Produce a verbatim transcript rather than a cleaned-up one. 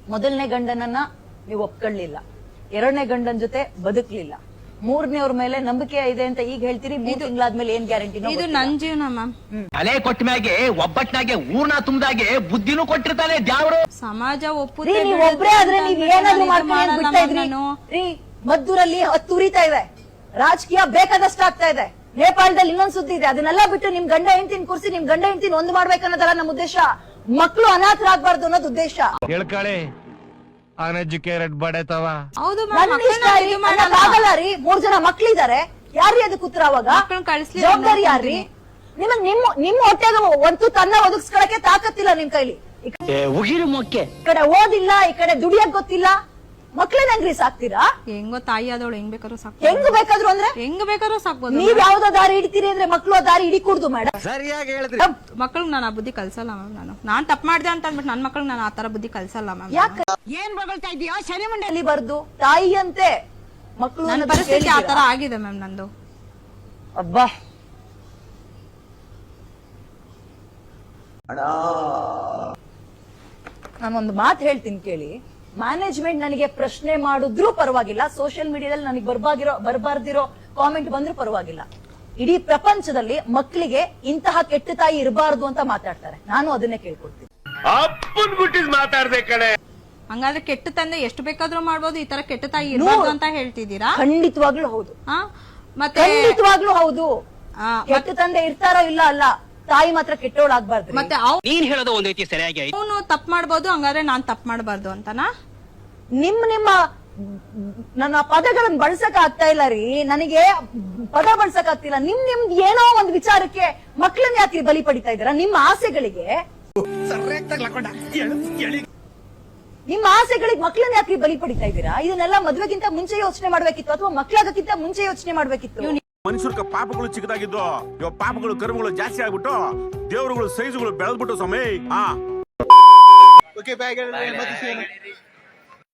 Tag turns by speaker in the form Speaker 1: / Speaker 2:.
Speaker 1: ಮೊದಲನೇ ಗಂಡನನ್ನ ನೀವು ಒಪ್ಕೊಳ್ಳಿಲ್ಲ, ಎರಡನೇ ಗಂಡನ ಜೊತೆ ಬದುಕ್ಲಿಲ್ಲ, ಮೂರನೇವ್ರ ಮೇಲೆ ನಂಬಿಕೆ ಇದೆ ಅಂತ ಈಗ ಹೇಳ್ತೀರಿ. ಮೂರ್ ತಿಂಗಳಾದ್ಮೇಲೆ ಏನ್ ಗ್ಯಾರಂಟಿ?
Speaker 2: ಇದು ನನ್ ಜೀವನ ಮ್ಯಾಮ್.
Speaker 3: ತಲೆ ಕೊಟ್ಟ ಮ್ಯಾಗೆ ಒಬ್ಬಟ್ನಾಗೆ ಊರ್ನ ತುಂಬದಾಗೆ ಬುದ್ಧಿನೂ ಕೊಟ್ಟಿರ್ತಾನೆ ದ್ಯಾವ್ರು.
Speaker 2: ಸಮಾಜ ಒಪ್ಪುತ್ತೆ.
Speaker 1: ನೀವ್ ಒಬ್ರೇ ಆದ್ರೆ ನೀವ್ ಏನಾದ್ರು ಮಾಡ್ಕೊಂಡು ಬಿಡ್ತಾ ಇದ್ರಿ. ರೀ ಮದ್ದೂರಲ್ಲಿ ಹತ್ತು ಉರಿತಾ ಇದೆ, ರಾಜಕೀಯ ಬೇಕಾದಷ್ಟು ಆಗ್ತಾ ಇದೆ. ನೇಪಾಳದಲ್ಲಿ ಇನ್ನೊಂದ್ ಸುದ್ದಿ ಇದೆ. ಅದನ್ನೆಲ್ಲ ಬಿಟ್ಟು ನಿಮ್ ಗಂಡ ಹೆಂಡತಿನ ಕೂರಿಸಿ ನಿಮ್ ಗಂಡ ಹೆಂಡತಿನ ಒಂದು ಮಾಡ್ಬೇಕನ್ನೋದಲ್ಲ ನಮ್ಮ ಉದ್ದೇಶ. ಮಕ್ಕಳು ಅನಾಥರಾಗಬಾರ್ದು ಅನ್ನೋದು ಉದ್ದೇಶ.
Speaker 4: ಹೇಳ್ಕಳಿ ಅನ್ಎಜುಕೇಟೆಡ್ ಬಡತವ.
Speaker 2: ಹೌದು
Speaker 1: ಆಗಲ್ಲ ರೀ. ಮೂರ್ ಜನ ಮಕ್ಳಿದಾರೆ, ಯಾರ್ರೀ ಅದಕ್ಕೆ ಉತ್ತರ? ಅವಾಗ ಜವಾಬ್ದಾರಿ ಯಾರ್ರಿ? ನಿಮಗ್ ನಿಮ್ಮ ನಿಮ್ಮ ಹೊಟ್ಟೆಗೆ ಒಂದು ತನ್ನ ಒದಗಿಸ್ಕೊಳಕ್ಕೆ ತಾಕತ್ತಿಲ್ಲ ನಿಮ್ ಕೈಲಿ. ಈ ಕಡೆ ಓದಿಲ್ಲ, ಈ ಕಡೆ ದುಡಿಯಕ್ ಗೊತ್ತಿಲ್ಲ, ಮಕ್ಳನ್ನ ಹೆಂಗ್ರಿ ಸಾಕ್ತೀರಾ?
Speaker 2: ಹೆಂಗೋ ತಾಯಿ ಆದವಳು ಹೆಂಗ್ ಬೇಕಾದ್ರೂ ಸಾಕ್
Speaker 1: ಹೆಂಗ್ ಬೇಕಾದ್ರು ಅಂದ್ರೆ
Speaker 2: ಹೆಂಗ್ ಬೇಕಾದ್ರೂ ಸಾಕ್ಬೋದು.
Speaker 1: ನೀವ್ ಯಾವ್ದೋ ದಾರಿ ಹಿಡಿತೀರಿ ಅಂದ್ರೆ ಮಕ್ಳು ಆ ದಾರಿ ಹಿಡಿಕೂಡ್ದು ಮೇಡಮ್.
Speaker 4: ಸರಿಯಾಗಿ ಹೇಳಿದ್ರಿ.
Speaker 2: ಮಕ್ಳಿಗೆ ನಾನು ಆ ಬುದ್ಧಿ ಕಲ್ಸಲ್ಲ ಮ್ಯಾಮ್. ನಾನು ನಾನ್ ತಪ್ಪು ಮಾಡ್ದೆ ಅಂತ ಅಂದ್ಬಿಟ್ಟು ನನ್ ಮಕ್ಳಿಗೆ ನಾನು ಆತರ ಬುದ್ಧಿ ಕಲ್ಸಲ್ಲ ಮ್ಯಾಮ್.
Speaker 1: ಯಾಕೆ ಏನ್ ಬಗಳ್ತಾ ಇದೀಯೋ? ಶನಿ ಮಂಡಳಿ ಬರ್ದು ತಾಯಿ ಅಂತೆ ಮಕ್ಳು.
Speaker 2: ನನ್ನ ಪರಿಸ್ಥಿತಿ ಆತರ ಆಗಿದೆ ಮ್ಯಾಮ್ ನಂದು.
Speaker 1: ಅಬ್ಬಾ ನಾನೊಂದು ಮಾತು ಹೇಳ್ತೀನಿ ಕೇಳಿ. ಮ್ಯಾನೇಜ್ಮೆಂಟ್ ನನಗೆ ಪ್ರಶ್ನೆ ಮಾಡಿದ್ರು ಪರವಾಗಿಲ್ಲ, ಸೋಷಿಯಲ್ ಮೀಡಿಯಾದಲ್ಲಿ ನನಗೆ ಬರ್ಬಾಗಿರೋ ಬರ್ಬಾರ್ದಿರೋ ಕಾಮೆಂಟ್ ಬಂದ್ರು ಪರವಾಗಿಲ್ಲ. ಇಡೀ ಪ್ರಪಂಚದಲ್ಲಿ ಮಕ್ಕಳಿಗೆ ಇಂತಹ ಕೆಟ್ಟ ತಾಯಿ ಇರಬಾರ್ದು ಅಂತ ಮಾತಾಡ್ತಾರೆ. ನಾನು ಅದನ್ನೇ ಕೇಳ್ಕೊಡ್ತೀನಿ.
Speaker 2: ಹಂಗಾದ್ರೆ ಕೆಟ್ಟ ತಂದೆ ಎಷ್ಟು ಬೇಕಾದ್ರೂ ಮಾಡ್ಬೋದು, ಈ ತರ ಕೆಟ್ಟ ತಾಯಿ ಇರಬಾರ್ದು ಅಂತ ಹೇಳ್ತಿದ್ದೀರಾ?
Speaker 1: ಖಂಡಿತವಾಗ್ಲೂ ಹೌದು.
Speaker 2: ಮತ್ತೆ
Speaker 1: ಖಂಡಿತವಾಗ್ಲೂ ಹೌದು. ಕೆಟ್ಟ ತಂದೆ ಇರ್ತಾರೋ ಇಲ್ಲ ಅಲ್ಲ, ತಾಯಿ ಮಾತ್ರ ಕೆಟ್ಟೋಳಾಗ್ಬಾರ್ದು.
Speaker 2: ಮತ್ತೆ
Speaker 3: ನೀನ್ ಹೇಳೋದು ಒಂದ್ ರೀತಿ ಸರಿಯಾಗಿ
Speaker 2: ಅವನು ತಪ್ಪು ಮಾಡ್ಬೋದು, ಹಂಗಾದ್ರೆ ನಾನ್ ತಪ್ಪು ಮಾಡಬಾರ್ದು ಅಂತನಾ?
Speaker 1: ನಿಮ್ ನಿಮ್ಮ ನನ್ನ ಪದಗಳನ್ನ ಬಳಸಕ್ ಆಗ್ತಾ ಇಲ್ಲ ರೀ. ನನಗೆ ಪದ ಬಳಸಕ್ ಆಗ್ತಿಲ್ಲ. ನಿಮ್ ನಿಮ್ದ್ ಏನೋ ಒಂದ್ ವಿಚಾರಕ್ಕೆ ಮಕ್ಳನ್ನ ಯಾಕೆ ಬಲಿ ಪಡಿತಾ ಇದ್ದೀರಾ? ನಿಮ್ಮ ಆಸೆಗಳಿಗೆ ನಿಮ್ಮ ಆಸೆಗಳಿಗೆ ಮಕ್ಳನ್ನ ಯಾಕೆ ಬಲಿ ಪಡಿತಾ ಇದ್ದೀರಾ? ಇದನ್ನೆಲ್ಲ ಮದ್ವೆಗಿಂತ ಮುಂಚೆ ಯೋಚನೆ ಮಾಡ್ಬೇಕಿತ್ತು, ಅಥವಾ ಮಕ್ಳಾಗಕ್ಕಿಂತ ಮುಂಚೆ ಯೋಚನೆ ಮಾಡ್ಬೇಕಿತ್ತು.
Speaker 5: ಮನುಷ್ಯರ್ಗ ಪಾಪಗಳು ಚಿಕ್ಕದಾಗಿದ್ದು ಇವಾಗ ಪಾಪಗಳು ಕರ್ಮಗಳು ಜಾಸ್ತಿ ಆಗ್ಬಿಟ್ಟು ದೇವರುಗಳು ಸೈಜುಗಳು ಬೆಳೆದ್ಬಿಟ್ಟು ಸಮಯ. ಹಾ